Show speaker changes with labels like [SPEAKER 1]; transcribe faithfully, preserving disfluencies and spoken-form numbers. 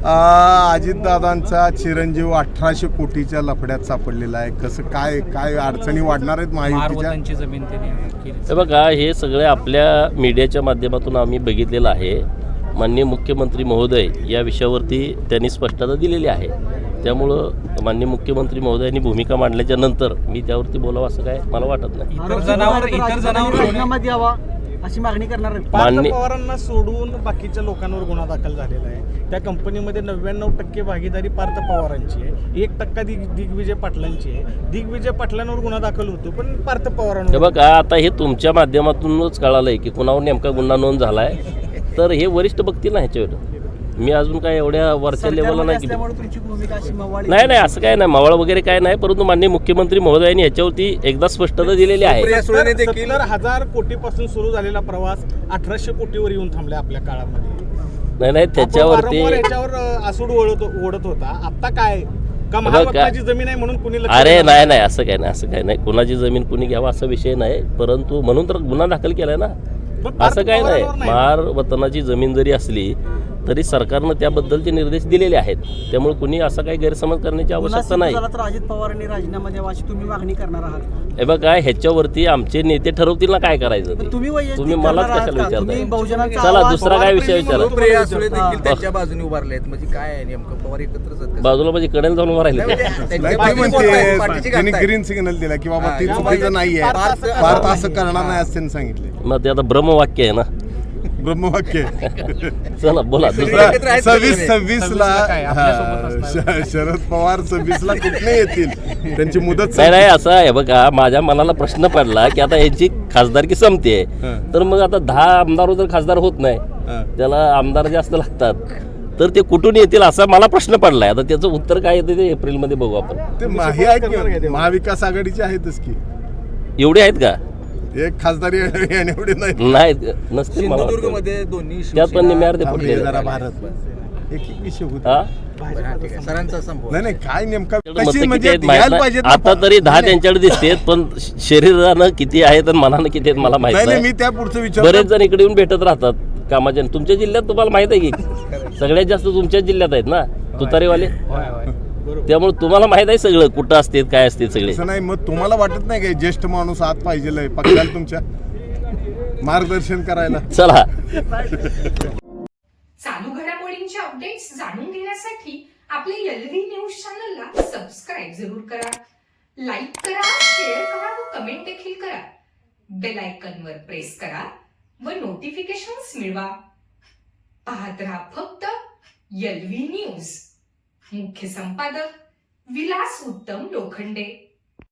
[SPEAKER 1] अजितदादांचा चिरंजीव अठराशे कोटीच्या लफड्यात सापडलेला आहे. कसं काय काय अडचणी वाढणार आहेत महायुतीच्या?
[SPEAKER 2] जमीन
[SPEAKER 3] हे बघा, हे सगळे आपल्या मीडियाच्या माध्यमातून आम्ही बघितलेलं आहे. माननीय मुख्यमंत्री महोदय या विषयावरती त्यांनी स्पष्टता दिलेली आहे. त्यामुळं माननीय मुख्यमंत्री महोदयांनी भूमिका मांडल्याच्या नंतर मी त्यावरती बोलावं असं काय मला वाटत नाही.
[SPEAKER 2] इतर जनावर इतर जनावर
[SPEAKER 4] राजीनामा द्यावा अशी मागणी करणार आहे.
[SPEAKER 5] पार्थ पवारांना सोडून बाकीच्या लोकांवर गुन्हा दाखल झालेला आहे. त्या कंपनीमध्ये नव्याण्णव टक्के भागीदारी पार्थ पवारांची आहे, एक टक्का दिग दिग्विजय पाटलांची आहे. दिग्विजय पाटलांवर गुन्हा दाखल होतो पण पार्थ पवारांवर.
[SPEAKER 3] हे बघा, आता हे तुमच्या माध्यमातूनच कळालंय की कुणावर नेमका गुन्हा नोंद झालाय. तर हे वरिष्ठ बघतील ना ह्याच्यावर. मी अजून काय एवढ्या वरच्या लेवलला नाही. नाही नाही असं काय नाही, मावळ वगैरे काय नाही. परंतु माननीय मुख्यमंत्री महोदयांनी याच्यावरती एकदा स्पष्टता दिलेली आहे.
[SPEAKER 5] सत्तर हजार कोटीपासून सुरू झालेला प्रवास अठराशे कोटीवर येऊन थांबला आपल्या काळामध्ये.
[SPEAKER 3] नाही नाही त्याच्यावरती
[SPEAKER 5] याच्यावर आसूड ओढत ओढत होता. आता काय का महाराष्ट्राची जमीन आहे म्हणून कुणी?
[SPEAKER 3] अरे नाही नाही असं काय नाही, असं काय नाही. कुणाची जमीन कुणी घ्यावा असा विषय नाही. परंतु म्हणून तर गुन्हा दाखल केलाय ना. असं काय नाही. महार वतनाची जमीन जरी असली तरी सरकारनं त्याबद्दलचे निर्देश दिलेले आहेत. त्यामुळे कुणी असा काही गैरसमज करण्याची आवश्यकता नाही.
[SPEAKER 4] अजित पवारांनी राजीनामा द्यावा अशी तुम्ही मागणी करणार आहात?
[SPEAKER 3] हे बघा, ह्याच्यावरती आमचे नेते ठरवतील ना काय करायचं ते. तुम्ही मलाच कशाला विचारताय? चला दुसरा काय विषय विचारा.
[SPEAKER 2] त्यांच्या बाजूने उभारले आहेत म्हणजे काय नेमकं पवार एकत्रच
[SPEAKER 3] बाजूला म्हणजे कडेला जाऊन उभा राहिले.
[SPEAKER 1] त्यांनी ग्रीन सिग्नल दिला की बाबा ती चुकीचं नाहीये, भारत असं करणार नाही असं त्यांनी सांगितले.
[SPEAKER 3] मग ते आता ब्रह्मवाक्य आहे ना,
[SPEAKER 1] ब्रह्मवाक्य.
[SPEAKER 3] चला बोला.
[SPEAKER 1] सव्वीस सव्वीस ला शरद पवार सव्वीस ला कुठे येतील, त्यांची मुदत
[SPEAKER 3] नाही नाही असं आहे. बघा, माझ्या मनाला प्रश्न पडला की आता यांची खासदारकी संपते, तर मग आता दहा आमदार जर खासदार होत नाही, त्याला आमदार जास्त लागतात, तर ते कुठून येतील असा मला प्रश्न पडलाय. आता त्याचं उत्तर काय येते ते एप्रिल मध्ये बघू आपण.
[SPEAKER 1] ते महाविकास आघाडीचे आहेतच की,
[SPEAKER 3] एवढे आहेत का?
[SPEAKER 1] एक खासदारी एवढे नाही
[SPEAKER 3] नाही नसते.
[SPEAKER 2] सिंधुदुर्गमध्ये दोन्ही
[SPEAKER 3] त्यात पण निम्यावर ते फुटले.
[SPEAKER 1] भारत एक एक विषय
[SPEAKER 3] हा
[SPEAKER 2] सरांचा संभव
[SPEAKER 1] नाही नाही काय नेमका
[SPEAKER 3] आता तरी दहा त्यांच्याकडे दिसतेत, पण शरीरानं किती आहेत आणि मनानं किती आहेत मला माहित नाही.
[SPEAKER 1] मी त्या पुढचं विचार
[SPEAKER 3] बरेच जण इकडे येऊन भेटत राहतात कामाच्या. तुमच्या जिल्ह्यात तुम्हाला माहित आहे की सगळ्यात जास्त तुमच्याच जिल्ह्यात आहेत ना तुतारीवाले. त्यामुळे तुम्हाला माहित आहे सगळं कुठं असते काय असते सगळे.
[SPEAKER 1] नाही मग तुम्हाला वाटत नाही काय ज्येष्ठ माणूस आत पाहिजे पक्षाला तुमच्या मार्गदर्शन करायला?
[SPEAKER 3] चला.
[SPEAKER 6] चालू घडामोडींचे अपडेट्स जाणून घेण्यासाठी आपल्या एलव्ही न्यूज चॅनलला सबस्क्राईब जरूर करा, लाईक करा, शेअर करा व कमेंट देखील करा. बेल आयकॉन वर प्रेस करा व नोटिफिकेशन्स मिळवा. पाहत रहा फक्त एलव्ही न्यूज. मुख्य संपादक विलास उत्तम लोखंडे.